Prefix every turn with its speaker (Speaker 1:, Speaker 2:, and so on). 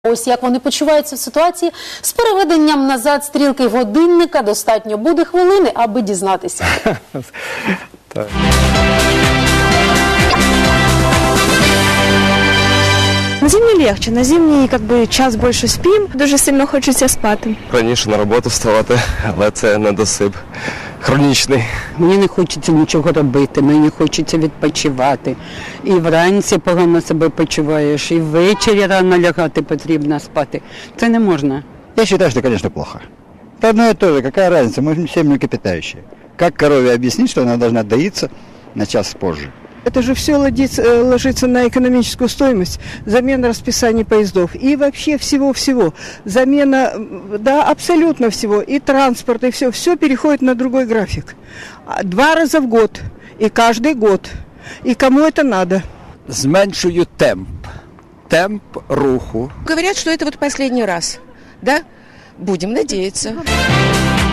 Speaker 1: Ось як вони почуваються в ситуації з переведенням назад стрілки годинника. Достатньо буде хвилини, аби дізнатися.
Speaker 2: Так.
Speaker 3: На зимній легче, на зимній час більше спим. Дуже сильно хочеться спати.
Speaker 2: Раніше на роботу вставати, але це недосип хронічний.
Speaker 4: Мені не хочеться нічого робити, мені хочеться відпочивати. І вранці погано себе почуваєш, і ввечері рано лягати потрібно спати. Це не можна.
Speaker 5: Я считаю, что, конечно, плохо. Это одно и то же, какая разница, мы все млекопитающие. Как корове объяснить, что она должна доиться на час позже?
Speaker 6: Это же все ложится на экономическую стоимость, замена расписаний поездов и вообще всего-всего. Замена, да, абсолютно всего, и транспорт, и все переходит на другой график. 2 раза в год, и каждый год. И кому это надо?
Speaker 7: Зменшую темп руху.
Speaker 8: Говорят, что это вот последний раз, да? Будем надеяться.